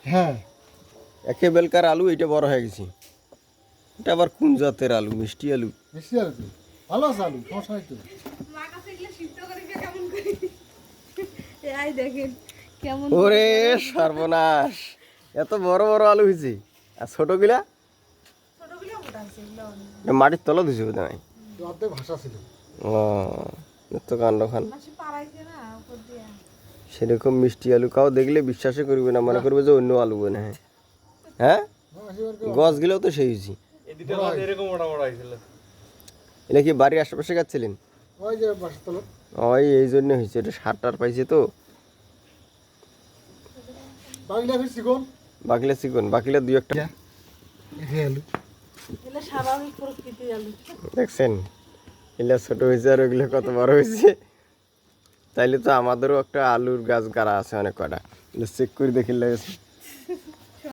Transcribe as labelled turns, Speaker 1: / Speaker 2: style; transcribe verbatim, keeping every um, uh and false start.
Speaker 1: হ্যাঁ
Speaker 2: একে বেলকার আলু, এটা বড় হয়ে গেছে। এটা আবার কোন জাতের আলু? মিষ্টি আলু।
Speaker 1: মিষ্টি আলু তো ভালো আছে আলু, সমস্যা নাই তো।
Speaker 3: মা কাছে এগুলো সিদ্ধ করে খেয়ে কেমন করি এই দেখেন কেমন
Speaker 2: ওরে সর্বনাশ, এত বড় বড় আলু হয়েছে। আর ছোটগুলা
Speaker 3: ছোটগুলো মোটা আছে এগুলো অনেক।
Speaker 2: এটা মাটির তলা দিছে বোধ হয়।
Speaker 1: অর্ধেক ভাষা ছিল।
Speaker 2: ও তো কাণ্ড খান।
Speaker 3: মাসি পাড়াইছে না উপর দিয়া।
Speaker 2: সেরকম মিষ্টি আলু কাউ দেখলে বিশ্বাসই করবে না, মনে করবে যে অন্য আলু বনে। হ্যাঁ হ্যাঁ, গছগুলোও তো সেই হয়েছি। এটা কি বাড়ির আশেপাশে গাছছিলেন?
Speaker 1: ওই যে বাসার তলা।
Speaker 2: ওই এই জন্য হয়েছে, এটা সার টার পাইছে তো।
Speaker 1: বাগলা ফিরছি কোন
Speaker 2: বাকিলা চিকন, বাকিলা দুই একটা।
Speaker 1: এই আলু
Speaker 3: এগুলো স্বাভাবিক প্রকৃতির আলু।
Speaker 2: দেখছেন এগুলো ছোট হয়েছে আর ওগুলো কত বড় হয়েছে। তাইলে তো আমাদেরও একটা আলুর গাছ গাড়া আছে অনেক কটা, চেক করে দেখে লেগেছে।